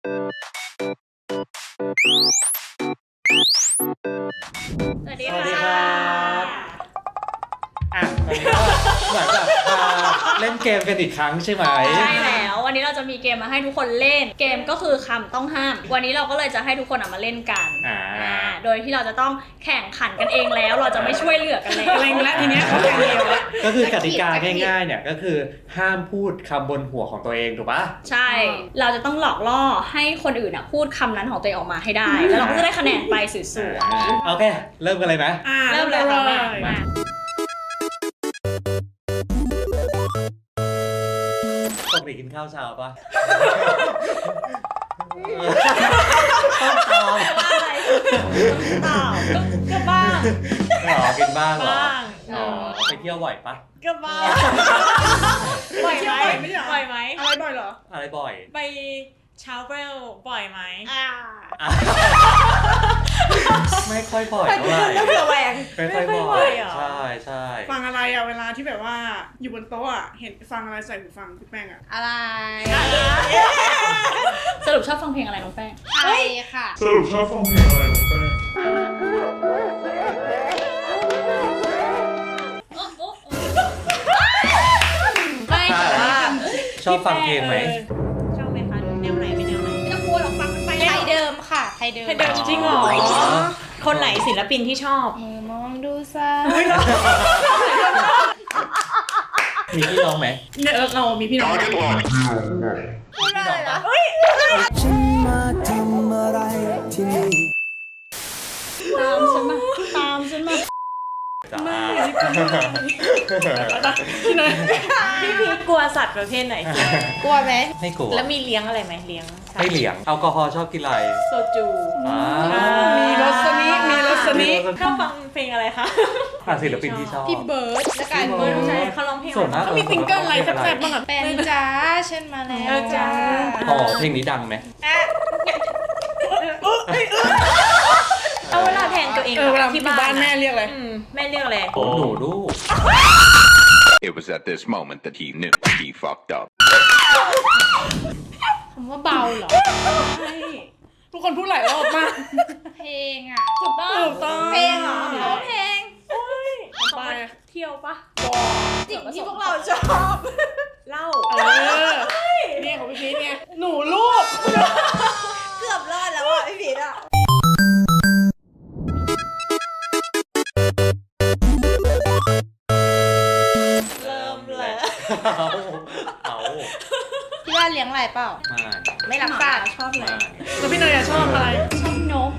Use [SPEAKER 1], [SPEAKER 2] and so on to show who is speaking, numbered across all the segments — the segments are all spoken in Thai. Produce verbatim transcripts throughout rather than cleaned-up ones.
[SPEAKER 1] สวัสดี
[SPEAKER 2] สวัสดี
[SPEAKER 1] ค่ะ
[SPEAKER 2] ครับอ่ะตอนนี้ก็เหมือนแบบมาเล่นเกมกันอีกครั้งใช่ไหม
[SPEAKER 1] ใช่แล้ววันนี้เราจะมีเกมมาให้ทุกคนเล่นเกมก็คือคำต้องห้ามวันนี้เราก็เลยจะให้ทุกคนมาเล่นกัน
[SPEAKER 2] อ่า
[SPEAKER 1] อ่าโดยที่เราจะต้องแข่งขันกันเองแล้วเราจะไม่ช่วยเหลือกันแล้ว
[SPEAKER 3] เกรงแล้วทีเนี้ยเขาแข่งเดียวแล้ว
[SPEAKER 2] ก็คือกติกาง่ายๆเนี่ยก็คือห้ามพูดคำบนหัวของตัวเองถูกปะ
[SPEAKER 1] ใช่เราจะต้องหลอกล่อให้คนอื่นอ่ะพูดคำนั้นของตัวเองออกมาให้ได้แล้วเราก็จะได้คะแนนไปสวย
[SPEAKER 2] อ่าโอเค เริ่มกันเลยไหม
[SPEAKER 3] อ่า
[SPEAKER 1] ๆเริ่มเลยค่ะแม่
[SPEAKER 2] มา
[SPEAKER 1] มา
[SPEAKER 2] ปกติกินข้าวเช้าปะต้องตอบ
[SPEAKER 1] ว่าอะไรตอบก็ก็บ้าง
[SPEAKER 2] หรอกินบ้างเหรอ
[SPEAKER 1] บ้าง
[SPEAKER 2] อ๋อไปเที่ยวบ่อยปะ
[SPEAKER 1] ก็บ้างบ่อยไหม
[SPEAKER 3] บ่อยไม่ใช่เหรอ
[SPEAKER 1] บ่อยไหม
[SPEAKER 3] อะไรบ่อยเหรอ
[SPEAKER 2] อะไรบ่อย
[SPEAKER 4] ไปเช้าเวลบ่อยไหม
[SPEAKER 1] อ่า
[SPEAKER 2] อ่ะไม่ค่อยบ่อยเท่าไหร่
[SPEAKER 1] เผื่อแหวง
[SPEAKER 2] ไม่ค่อยบ่
[SPEAKER 4] ไม่ค่อยบ่
[SPEAKER 2] อ
[SPEAKER 4] อย ยเหรอ
[SPEAKER 2] ใช่ใช่
[SPEAKER 3] ฟังอะไรอ่ะเวลาที่แบบว่าอยู่บนโต๊ะอ่ะเห็นฟังอะไรใส่หูฟังพี่แป้งอ่ะ
[SPEAKER 5] อะไร
[SPEAKER 1] สรุปชอบฟังเพลงอะไรน้องแป้ง
[SPEAKER 5] ใช่ค่ะ
[SPEAKER 6] สรุปชอบฟังเพลงอะไรน้องแป้ง
[SPEAKER 1] ไม่แต่ว่า
[SPEAKER 2] ชอบฟังเพลงไหม
[SPEAKER 4] ชอบไหมคะแนวไหนเป็นแนวไหน
[SPEAKER 1] ไม่ต้องกลัวหรอกฟังมันไป
[SPEAKER 5] ไทยเดิมค่ะ ไทยเดิม
[SPEAKER 4] เดิมจริงเหรอ คนไหนศิลปินที่ชอบ
[SPEAKER 5] เออมองดูซะ
[SPEAKER 2] มีพี่น้องไหม
[SPEAKER 3] เนี่ยเราเรามีพี่น้อง
[SPEAKER 1] พูดอะไรนะ
[SPEAKER 7] ฉันมาทำอะไรที่นี่
[SPEAKER 1] ตามฉันมาตามฉันมา
[SPEAKER 2] จ้า
[SPEAKER 3] พี่เนย
[SPEAKER 4] พี่พีกลัวสัตว์ประเภทไหนสุด
[SPEAKER 5] กลัวไหม
[SPEAKER 2] ไม่กลัว
[SPEAKER 4] แล้วมีเลี้ยงอะไรไหมเลี้ยงสัตว์
[SPEAKER 2] ให้เหลียงแอลกอฮอล์ชอบกินอะไร
[SPEAKER 4] โซจู
[SPEAKER 2] อ่า
[SPEAKER 3] มีรสนิมีรสนิ
[SPEAKER 4] ชอบฟังเพลงอะไรคะ
[SPEAKER 2] อ่ะศิลปินที่ชอบ
[SPEAKER 5] พี่เบิร์ดและกัน
[SPEAKER 2] พี่เบิร์ด
[SPEAKER 4] ใช่เขาร้องเพลง
[SPEAKER 2] ส่วนมาก
[SPEAKER 3] เขามีซิงเกิลอะไรแซ่บๆบ้างอ่ะ
[SPEAKER 5] แฟนจ้าฉันมาแล้ว
[SPEAKER 4] เออจ้า
[SPEAKER 2] อ๋อเพลงนี้ดังไหม
[SPEAKER 4] เอาเวลาแทนตัวเอง
[SPEAKER 3] เออเวลา
[SPEAKER 4] ที่
[SPEAKER 3] ที่บ้านแม่เรียกอะไร
[SPEAKER 4] อืมแม่เรียกอะไร
[SPEAKER 2] ผมหนูลูก
[SPEAKER 8] It was at this moment that he knew he fucked up.
[SPEAKER 5] คำว่าเบาเหรอ
[SPEAKER 3] ทุกคนพูดหลายรอบมาก
[SPEAKER 5] เพลงอ่ะ
[SPEAKER 1] ถูกต้อง
[SPEAKER 3] ถูกต้อง
[SPEAKER 5] เพลงเหรอเพราะว่าเพลง
[SPEAKER 3] ไป
[SPEAKER 1] เที่ยวปะ
[SPEAKER 5] สิ่งที่พวกเราชอบ
[SPEAKER 4] เล่า
[SPEAKER 3] เออเนี่ยของพี่พีทเนี่ยหนูลูก
[SPEAKER 5] เกือบรอดแล้วอ่ะพี่พีทอ่ะ
[SPEAKER 4] เริ่มเลย
[SPEAKER 2] เอาเอา
[SPEAKER 5] ที่บ้านเลี้ยงอะไรเปล่า
[SPEAKER 2] ไม่
[SPEAKER 5] ไม่รักสัตว์
[SPEAKER 1] ชอบอะไร
[SPEAKER 2] ไม่
[SPEAKER 3] แล้วพี่เนยอะชอบอะไร
[SPEAKER 1] ชอบนก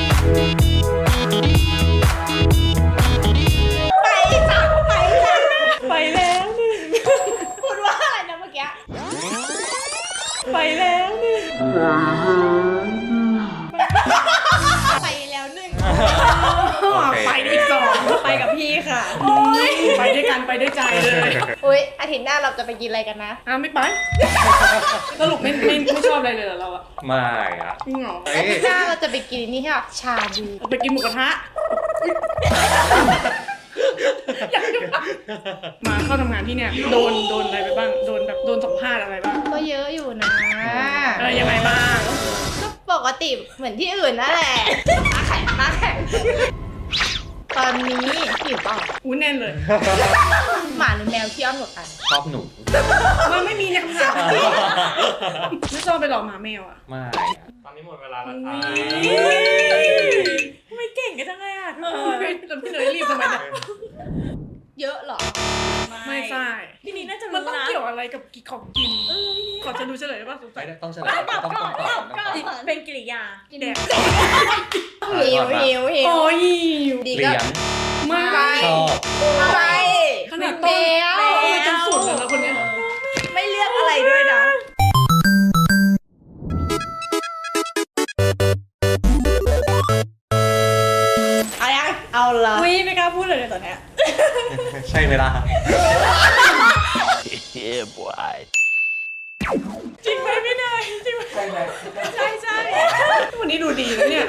[SPEAKER 5] ไปจ้ะไปจ้ะ
[SPEAKER 4] ไปแล้วหนึ่ง
[SPEAKER 5] พูดว่าอะไรนะเมื่อกี้
[SPEAKER 4] ไปแล้วหนึ่ง
[SPEAKER 5] ไปแล้วหนึ่ง
[SPEAKER 2] โอเค
[SPEAKER 3] ไปอีกสอง
[SPEAKER 1] ไปกับพี่ค่ะ
[SPEAKER 3] ไปด้วยกันไปด้วยใจเลย
[SPEAKER 5] อุ้ยอาทิตย์หน้าเราจะไปกินอะไรกันนะ
[SPEAKER 3] อ่ะไม่ไปสรุปไม่ไม่ไม่ชอบอะไรเลยเหรอเราอ่ะ
[SPEAKER 2] ไม่อะ
[SPEAKER 3] จริงเหรอ
[SPEAKER 2] เอ้
[SPEAKER 5] อาย ทิตย์หน้าเราจะไปกินนี่ค่ะชาบู
[SPEAKER 3] ไปกินหมูกระทะอยากจะมาเข้าทำงานที่เนี่ยโดนโดนอะไรไปบ้างโดนแบบโดนสัมภาษณ์อะไรบ้าง
[SPEAKER 5] ก็เยอะอยู่นะ
[SPEAKER 3] เออยังไงบ้าง
[SPEAKER 5] ก็ปกติเหมือนที่อื่นนั่นแหละมาแข่งมาแข่งตอนนี้หิวเปล่า
[SPEAKER 3] อู้แน่นเลย
[SPEAKER 5] หมาหรือแมวที่อ้อนกว่ากัน
[SPEAKER 2] ชอบหนู
[SPEAKER 3] มันไม่มีในคำถามไม่ชอบไปหลอกหมาแมวอ่ะ
[SPEAKER 2] ไม่
[SPEAKER 6] ตอนนี้หมดเวลาแล้วครับ
[SPEAKER 4] ทำไมเก่งกันจังเลยอ่ะทุก
[SPEAKER 3] เอ
[SPEAKER 4] ค
[SPEAKER 3] อน แล้วพี่เนยรีบทำไมเนี่ย
[SPEAKER 5] เยอะเหรอ
[SPEAKER 3] ไม่ใช่
[SPEAKER 4] พี่นี่น่าจะ
[SPEAKER 3] มัน
[SPEAKER 4] รู้
[SPEAKER 3] ต้อง
[SPEAKER 4] นะ
[SPEAKER 3] เกี่ยวอะไรกับกินของกินขอจะดูเฉลยป่ะสงสั
[SPEAKER 2] ไม่
[SPEAKER 3] ย
[SPEAKER 2] ได้ต้องเฉลยต้องต้องตอบต้องตอบ
[SPEAKER 4] เป็นกิริยา
[SPEAKER 3] แดก
[SPEAKER 5] หิวหิวหิว
[SPEAKER 3] โอ้ย
[SPEAKER 5] ดี
[SPEAKER 2] เลี้
[SPEAKER 5] ก็
[SPEAKER 2] ยง
[SPEAKER 3] ไม่
[SPEAKER 2] ชอบ
[SPEAKER 5] อะไร
[SPEAKER 3] ขนาด
[SPEAKER 5] แม
[SPEAKER 3] ต้น
[SPEAKER 5] ว
[SPEAKER 3] ทำไมจนสุดเลยนะคนเนี้ย
[SPEAKER 5] ไม่เลือกอะไรด้วยนะเอายังเอาละ
[SPEAKER 1] วิไม่กล้าพูดเลยตอนเนี้ย
[SPEAKER 2] ใช่เวลา
[SPEAKER 7] Yeah boy
[SPEAKER 4] จริงไหมพี่เนยจริงไหม
[SPEAKER 2] ใช่ไหม
[SPEAKER 4] ใช่ใช่
[SPEAKER 3] วันนี้ดูดีนะเนี่ย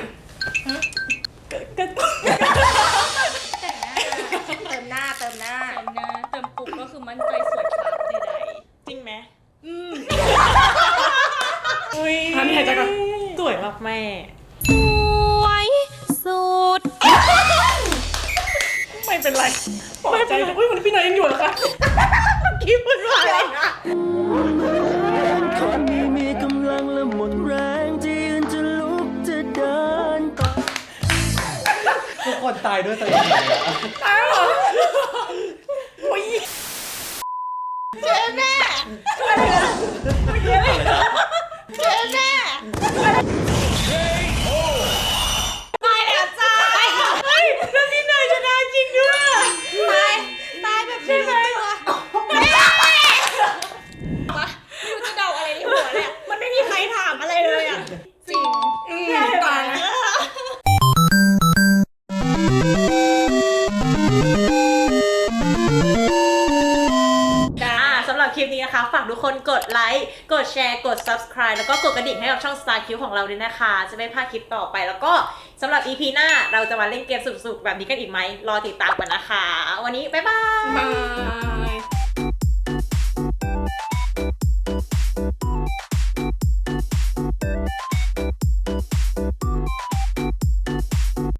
[SPEAKER 5] เติมหน้าเติมหน้า
[SPEAKER 1] เติมหน้าเติมปุ๊บก็คือมั่นใจสวยครับใด
[SPEAKER 4] จริงไหม
[SPEAKER 1] ๆอืม
[SPEAKER 3] อันนี้หายใจก่อนใจแต่อุ้ยมันพี่เนยยังอยู่เหรอคะ
[SPEAKER 5] คิดพูดว่าอะไรนะ
[SPEAKER 7] คนนี้มีกำลังและหมดแรงที่ยืนจะลุกจะเดินต่อ
[SPEAKER 2] ทุกคนตายด้วยตัวเองเลยอะ
[SPEAKER 3] ตายเหรอโอ้ย
[SPEAKER 5] เจ๊แม่เจ๊แม่ตายแล้วจ้าเฮ้ยแล้วพี่เนยชนะจริงด้วยตายตายแบบใช่ไหม
[SPEAKER 1] ไม่รู้จะเดาอะไรในหัวเลยอะมันไม่มีใครถามอะไรเลยอ่ะ จริง
[SPEAKER 3] อืมตายนะ
[SPEAKER 4] อ่าสำหรับคลิปนี้นะคะ ฝากทุกคนกดไลค์ กดแชร์ กด subscribe แล้วก็กดกระดิ่งให้กับช่อง Star Q ของเราด้วยนะคะ จะไม่พลาดคลิปต่อไป แล้วก็สำหรับ อี พี หน้าเราจะมาเล่นเกมสนุกๆแบบนี้กันอีกไหม รอติดตามกันนะคะ วันนี้ บ๊ายบาย
[SPEAKER 3] บาย